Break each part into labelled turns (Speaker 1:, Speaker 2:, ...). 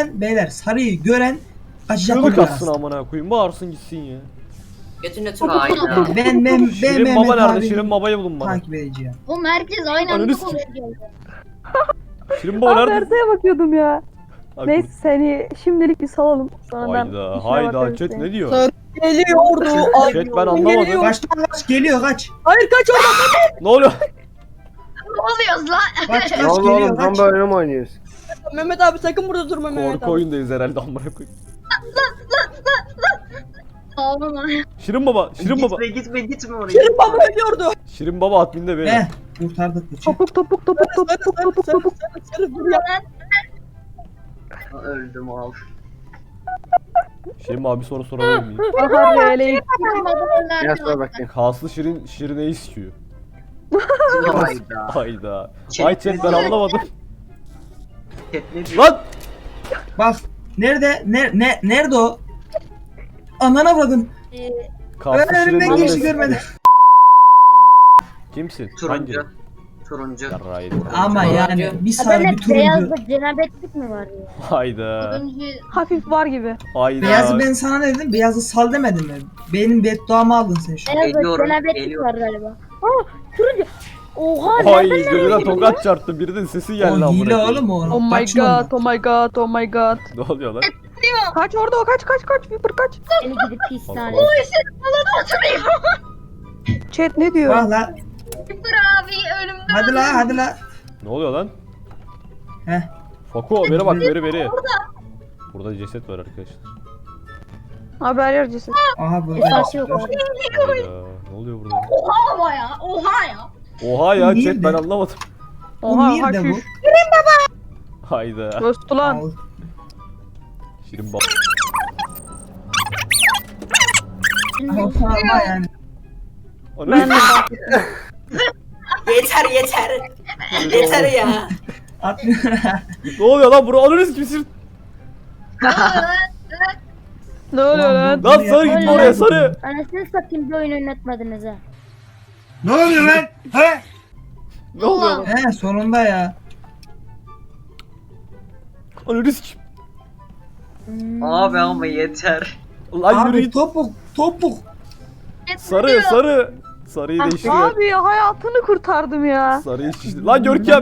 Speaker 1: gören beyler, sarıyı gören kaçacak
Speaker 2: Çığlık
Speaker 1: bunlar
Speaker 2: atsın
Speaker 1: aslında.
Speaker 2: amına koyayım. Bağırsın gitsin ya.
Speaker 3: Götünü tut ayda.
Speaker 1: Ben
Speaker 2: Şirin
Speaker 1: Mehmet
Speaker 2: baba nerede?
Speaker 1: abi
Speaker 2: Şirin babayı bulun bana.
Speaker 1: takip edeceğim.
Speaker 4: Oğlum herkes aynı
Speaker 2: Ananı
Speaker 4: anda
Speaker 2: sikeyim.
Speaker 4: konuşuyor.
Speaker 2: Şirin baba
Speaker 5: Abi
Speaker 2: nerede?
Speaker 5: haritaya bakıyordum ya.
Speaker 2: Ay,
Speaker 5: Neyse seni şimdilik bir salalım. Sonradan
Speaker 2: Hayda
Speaker 5: işine
Speaker 2: hayda
Speaker 5: bakarız
Speaker 2: chat
Speaker 5: yani.
Speaker 2: ne diyor?
Speaker 6: Geliyordu. Ay,
Speaker 2: Chat ben anlamadım.
Speaker 1: Kaç lan kaç geliyor kaç.
Speaker 6: Hayır kaç oradan.
Speaker 2: Ne oluyor?
Speaker 4: Ne oluyoruz lan?
Speaker 1: Kaç
Speaker 7: Allah
Speaker 1: geliyor
Speaker 7: oğlum tam
Speaker 1: kaç.
Speaker 7: böyle mi oynuyoruz?
Speaker 6: Mehmet abi sakın burada durma Mehmet
Speaker 2: Korku
Speaker 6: abi.
Speaker 2: oyundayız herhalde amına koyayım.
Speaker 4: Ağlama.
Speaker 2: Şirin baba, Şirin baba.
Speaker 3: Gitme oraya.
Speaker 6: Şirin baba ölüyordu.
Speaker 2: Şirin baba adminde beyler.
Speaker 1: He kurtardık bu chat.
Speaker 5: Topuk topuk topuk topuk topuk topuk.
Speaker 6: Sarı dur ya.
Speaker 3: Öldüm al.
Speaker 2: Şirin baba bir soru sorabilir miyim?
Speaker 5: Aha böyle
Speaker 7: Gel sonra bakayım.
Speaker 2: Kaslı Şirin Şirine'yi istiyor.
Speaker 3: Hayda.
Speaker 2: Hayda.
Speaker 3: Chat
Speaker 2: Ay chat
Speaker 3: ne
Speaker 2: ben
Speaker 3: diyor?
Speaker 2: anlamadım.
Speaker 3: Chat ne diyor?
Speaker 2: Lan!
Speaker 1: Bak nerede nerede o? Anana vurdun.
Speaker 2: Kaslı
Speaker 1: Ben önümden
Speaker 2: Şirin'in
Speaker 1: geçti
Speaker 2: neresi?
Speaker 1: görmedim.
Speaker 2: Kimsin?
Speaker 3: Turuncu. Turuncu.
Speaker 2: Yarrağı
Speaker 1: Ama yani bir sarı bir
Speaker 4: Bende
Speaker 1: turuncu.
Speaker 4: beyazda cenabetlik mi var ya?
Speaker 2: Hayda.
Speaker 4: Turuncu
Speaker 5: hafif var gibi.
Speaker 2: Hayda.
Speaker 1: Beyazı ben sana ne dedim? Beyazı sal demedim mi? Benim bedduamı aldın sen şu an.
Speaker 4: beyazda
Speaker 3: Geliyorum,
Speaker 4: cenabetlik
Speaker 3: geliyorum.
Speaker 4: var galiba. Aa turuncu. Oha
Speaker 2: Ay
Speaker 4: nereden
Speaker 2: gözüne tokat çarptı. Birinin sesi geldi
Speaker 1: O
Speaker 2: amına
Speaker 1: hile
Speaker 2: koyayım.
Speaker 1: oğlum o.
Speaker 5: Oh my
Speaker 1: Kaçma
Speaker 5: god,
Speaker 1: ondan.
Speaker 5: oh my god, oh my god.
Speaker 2: Ne oluyor lan?
Speaker 5: Kaç orada o kaç Viper kaç.
Speaker 4: Seni gidip pistane.
Speaker 2: Allah.
Speaker 5: Chat ne diyor?
Speaker 1: Bak la.
Speaker 4: Sıfır abi ölümden.
Speaker 1: Hadi la hadi la.
Speaker 2: Ne oluyor lan?
Speaker 1: Heh.
Speaker 2: Fako beri bak beri. Burada ceset var arkadaşlar.
Speaker 5: Haber yer ceset.
Speaker 1: Aha burada.
Speaker 4: Esası yok abi.
Speaker 2: Hayda. Ne oluyor burada?
Speaker 4: Oha ama ya. Oha ya.
Speaker 2: Oha ya
Speaker 1: Niye
Speaker 2: chat
Speaker 1: de?
Speaker 2: ben anlamadım.
Speaker 5: Oha
Speaker 1: nerede bu?
Speaker 5: haşiş.
Speaker 2: Hayda.
Speaker 5: Göstü lan.
Speaker 1: Al.
Speaker 2: Şirin baba.
Speaker 1: Ama yani.
Speaker 5: Ben de
Speaker 3: Yeter ya.
Speaker 2: Ne oluyor lan bura alırız kimsin?
Speaker 5: ne oluyor lan?
Speaker 2: Lan sarı gitme oraya sarı.
Speaker 4: Anasını satayım bir oyun oynatmadınız ha.
Speaker 1: Ne oluyor lan? He?
Speaker 2: Ne oluyor lan?
Speaker 1: He sonunda ya.
Speaker 2: Alırız kim?
Speaker 3: Abi ama yeter.
Speaker 2: Lan yürü
Speaker 1: Abi
Speaker 2: git.
Speaker 1: topuk.
Speaker 2: Sarı. Sarıyı değiştiriyor.
Speaker 5: Abi ya hayatını kurtardım ya.
Speaker 2: Sarıyı şişti. Lan Görkem.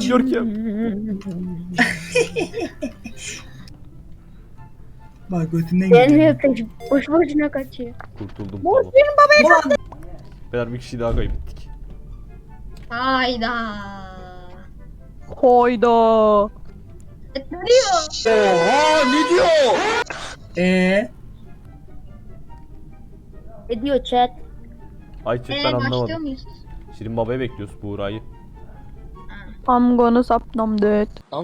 Speaker 1: Bak götünden
Speaker 4: Gelmiyor
Speaker 1: gidiyor.
Speaker 4: kaçıp boş boşuna kaçıyor.
Speaker 2: Kurtuldum
Speaker 1: Ulan,
Speaker 2: tamam. Beyler bir kişiyi daha kaybettik.
Speaker 4: Hayda.
Speaker 5: Hoyda.
Speaker 4: Ne diyor? Ne diyor chat?
Speaker 2: Ay chat ben
Speaker 4: Başlıyor
Speaker 2: anlamadım.
Speaker 4: muyuz?
Speaker 2: Şirin babaya bekliyoruz Buğra'yı.
Speaker 5: I'm gonna stop them dead.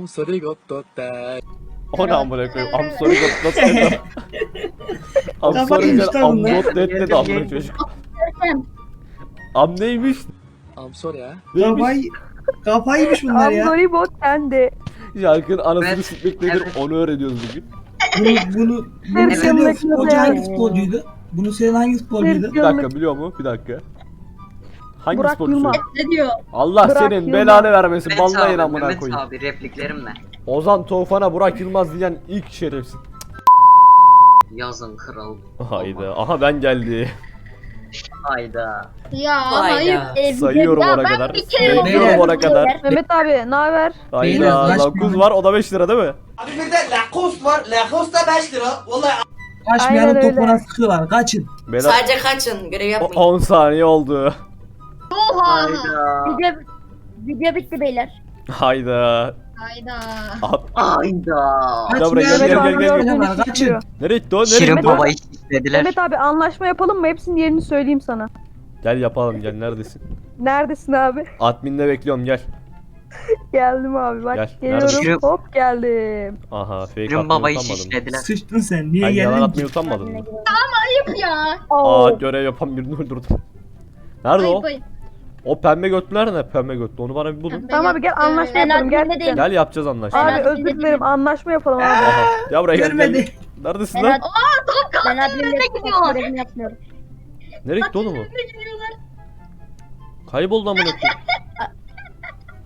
Speaker 2: O ne amına koyayım? I'm sorry got not dead. I'm
Speaker 1: Kafa
Speaker 2: sorry
Speaker 1: yemiş
Speaker 2: got
Speaker 1: lan
Speaker 2: I'm
Speaker 1: bunlar.
Speaker 2: not dead dedi amına çocuk. Am neymiş? Neymiş?
Speaker 1: Kafaymış bunlar
Speaker 5: I'm
Speaker 1: ya.
Speaker 5: sorry bot sende.
Speaker 2: Şarkının anasını
Speaker 3: Evet.
Speaker 2: sikmek nedir
Speaker 3: Evet.
Speaker 2: onu öğreniyoruz bugün.
Speaker 1: Bunu
Speaker 5: Evet.
Speaker 1: senin
Speaker 5: Evet.
Speaker 1: futbolcu hangi futbolcuydu? Bunu senin hangi futbolcuydu?
Speaker 2: Bir dakika biliyor mu? Bir dakika. Hangi
Speaker 5: Burak
Speaker 2: sporcu?
Speaker 5: Yılmaz.
Speaker 4: Ne diyor?
Speaker 2: Allah
Speaker 5: Burak
Speaker 2: senin
Speaker 5: Yılmaz.
Speaker 2: belanı vermesin.
Speaker 3: Mehmet
Speaker 2: Banlayın
Speaker 3: abi,
Speaker 2: amına
Speaker 3: Mehmet
Speaker 2: koyayım.
Speaker 3: abi repliklerimle.
Speaker 2: Ozan Tufan'a Burak Yılmaz diyen ilk şerefsiz.
Speaker 3: Yazın kral.
Speaker 2: Hayda. Aha ben geldi.
Speaker 3: Hayda.
Speaker 4: Ya
Speaker 3: Hayda.
Speaker 4: hayır.
Speaker 2: Sayıyorum
Speaker 4: Ya
Speaker 2: ona
Speaker 4: ben
Speaker 2: kadar.
Speaker 4: bir kere
Speaker 2: Sayıyorum
Speaker 1: Beyler.
Speaker 2: ona kadar.
Speaker 5: Mehmet abi ne haber?
Speaker 1: Beyler,
Speaker 2: Hayda.
Speaker 1: kaç
Speaker 2: Lakuz
Speaker 1: bin-
Speaker 2: var o da 5 lira değil mi?
Speaker 8: Abi bir de Lacoste var. Lacoste da 5 lira. Vallahi
Speaker 1: Kaçmayanın
Speaker 5: Aynen öyle.
Speaker 1: topuna sıkıyorlar. Kaçın.
Speaker 2: Beyler
Speaker 3: Sadece kaçın görev yapmayın.
Speaker 2: 10 saniye oldu.
Speaker 4: Oha.
Speaker 3: Hayda.
Speaker 4: Video bitti beyler.
Speaker 2: Hayda.
Speaker 4: Hayda.
Speaker 2: Aha,
Speaker 3: Hayda.
Speaker 2: Gel buraya,
Speaker 1: Kaçmayanın
Speaker 2: gel,
Speaker 1: topuna
Speaker 2: gel, gel, gel.
Speaker 1: sıkıyorlar. Kaçın.
Speaker 5: Kaçın.
Speaker 2: nereye gitti o? Nereye
Speaker 3: Şirin
Speaker 2: gitti o?
Speaker 3: babayı istediler.
Speaker 5: Mehmet abi anlaşma yapalım mı? Hepsinin yerini söyleyeyim sana.
Speaker 2: Gel yapalım gel neredesin?
Speaker 5: Neredesin abi?
Speaker 2: Admin'de bekliyorum gel.
Speaker 5: Geldim abi bak
Speaker 2: Gel,
Speaker 5: geliyorum.
Speaker 3: neredesin?
Speaker 5: Hop geldim.
Speaker 2: Aha fake
Speaker 3: Şirin
Speaker 2: atmayı
Speaker 3: babayı
Speaker 2: utanmadın mı?
Speaker 3: şişlediler.
Speaker 1: Sıçtın sen. Niye
Speaker 2: Ay yalan
Speaker 1: geldin ki?
Speaker 2: atmayı utanmadın mı?
Speaker 4: Ayıp ya.
Speaker 2: Aa görev yapan birini öldürdüm. Nerede o?
Speaker 4: Ayıp ayıp.
Speaker 2: O pembe götlü nerede? Pembe götlü onu bana bir bulun.
Speaker 5: Tamam abi gel anlaşma
Speaker 4: Ben
Speaker 5: yapalım
Speaker 4: adminde
Speaker 5: gerçekten.
Speaker 4: değilim.
Speaker 2: Gel yapacağız anlaşma.
Speaker 5: Abi
Speaker 4: Ben
Speaker 5: özür
Speaker 4: adminde
Speaker 5: dilerim
Speaker 4: değilim.
Speaker 5: anlaşma yapalım abi.
Speaker 2: Aha. Ya buraya gel,
Speaker 1: Görmedi.
Speaker 2: gel. Neredesin
Speaker 4: Ben
Speaker 2: lan?
Speaker 4: Ben adminle görevimi yapmıyorum.
Speaker 2: Nereye gitti oğlum o? Kayboldu amına koyayım.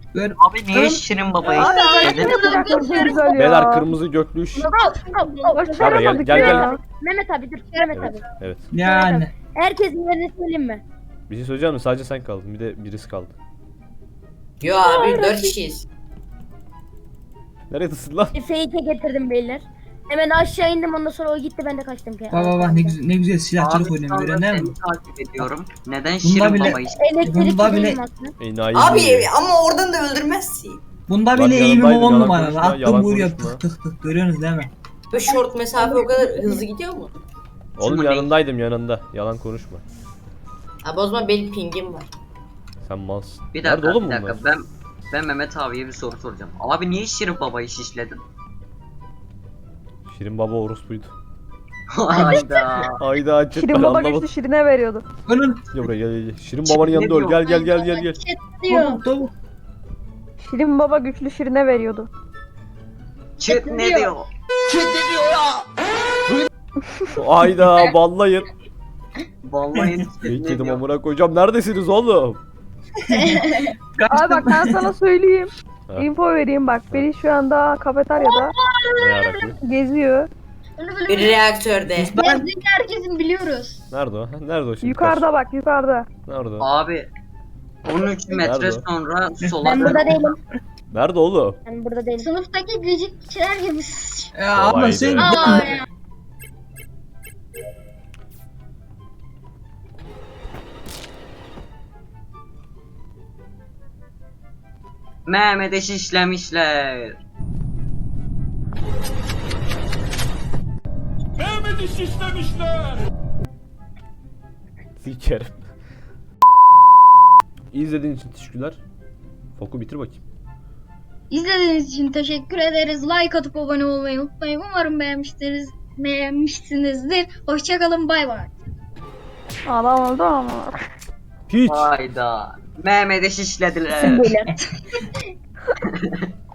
Speaker 1: Ben
Speaker 3: Abi niye Şirin Baba'yı
Speaker 5: Abi
Speaker 3: şişledin?
Speaker 5: ne güzel ya.
Speaker 2: Beyler kırmızı göklü iş.
Speaker 5: Başaramadık
Speaker 2: Gel, gel,
Speaker 5: ya.
Speaker 2: gel.
Speaker 4: Mehmet abi dur. Mehmet
Speaker 2: Evet,
Speaker 4: abi.
Speaker 2: evet.
Speaker 1: yani.
Speaker 4: Herkesin yerini söyleyeyim mi?
Speaker 2: Bir şey söyleyeceğim mi? Sadece sen kaldın. Bir de birisi kaldı.
Speaker 3: Yo abi 4 kişiyiz.
Speaker 2: Neredesin lan?
Speaker 4: Fake'e getirdim beyler. Hemen aşağı indim ondan sonra o gitti ben de kaçtım ki.
Speaker 1: Bak ne güzel silahçılık
Speaker 3: Abi
Speaker 1: oynuyorum
Speaker 3: sonra
Speaker 1: gören değil mi?
Speaker 3: seni takip ediyorum. Neden
Speaker 1: Bunda
Speaker 3: Şirin
Speaker 1: bile-
Speaker 3: Baba'yı
Speaker 4: Elektrik
Speaker 1: Bunda bile-
Speaker 4: değilim aslında.
Speaker 2: Enayi.
Speaker 3: Abi ama oradan da öldürmezsin.
Speaker 1: Bunda
Speaker 2: Bak,
Speaker 1: bile eğimim
Speaker 2: yanındaydım,
Speaker 1: 10
Speaker 2: yalan
Speaker 1: numaralı.
Speaker 2: konuşma,
Speaker 1: Attım
Speaker 2: yalan
Speaker 1: vuruyor
Speaker 2: konuşma.
Speaker 1: tık tık tık. Görüyorsunuz değil mi?
Speaker 3: Ve short mesafe o kadar hızlı gidiyor mu?
Speaker 2: Oğlum
Speaker 3: Şunu
Speaker 2: yanındaydım yanında. Yalan konuşma.
Speaker 3: Abi o zaman benim pingim var.
Speaker 2: Sen malsın.
Speaker 3: Bir
Speaker 2: Nerede
Speaker 3: dakika,
Speaker 2: oğlum
Speaker 3: bir
Speaker 2: bunlar?
Speaker 3: dakika. Ben Mehmet abiye bir soru soracağım. Abi niye Şirin Baba'yı şişledin?
Speaker 2: Şirin baba orospuydu.
Speaker 3: Hayda.
Speaker 2: Hayda cidden
Speaker 5: Şirin baba
Speaker 2: anlamadım.
Speaker 5: güçlü Şirin'e veriyordu.
Speaker 1: Önün.
Speaker 2: Gel buraya gel. Şirin babanın yanında öl. Gel gel gel gel gel.
Speaker 4: Diyor.
Speaker 1: Tavuk.
Speaker 5: Şirin baba güçlü Şirin'e veriyordu.
Speaker 3: Çıt ne diyor?
Speaker 2: Hayda ballayın.
Speaker 3: Vallahi
Speaker 2: İyi
Speaker 3: ne
Speaker 2: kedim
Speaker 3: diyor?
Speaker 2: amına koyacağım. Neredesiniz oğlum?
Speaker 5: Abi bak ben sana söyleyeyim.
Speaker 2: Ha.
Speaker 5: Info vereyim bak. Beni şu anda kafeteryada
Speaker 2: Ne yarakı?
Speaker 5: geziyor.
Speaker 3: Bir reaktörde.
Speaker 4: Gezdiğini herkesin biliyoruz.
Speaker 2: Nerede o? Ha, nerede o şimdi?
Speaker 5: Yukarıda bak yukarıda.
Speaker 2: Nerede o?
Speaker 3: Abi 13 metre
Speaker 2: Nerede?
Speaker 3: sonra sola
Speaker 4: Ben burada değilim.
Speaker 2: Nerede oğlum?
Speaker 4: Ben burada değilim. Sınıftaki gıcıkçılar gibi.
Speaker 1: Ya abla
Speaker 2: Kolaydı.
Speaker 1: sen
Speaker 4: Aa ya.
Speaker 3: Mehmet'e şişlemişler.
Speaker 2: Sikerim. İzlediğin için teşekkürler. Foku bitir bakayım.
Speaker 4: İzlediğiniz için teşekkür ederiz. Like atıp abone olmayı unutmayın. Umarım beğenmişsinizdir. Hoşçakalın. Bay bay.
Speaker 5: Adam oldu ama.
Speaker 2: Hiç.
Speaker 3: Hayda. Mehmet'e şişlediler.
Speaker 4: Beyler.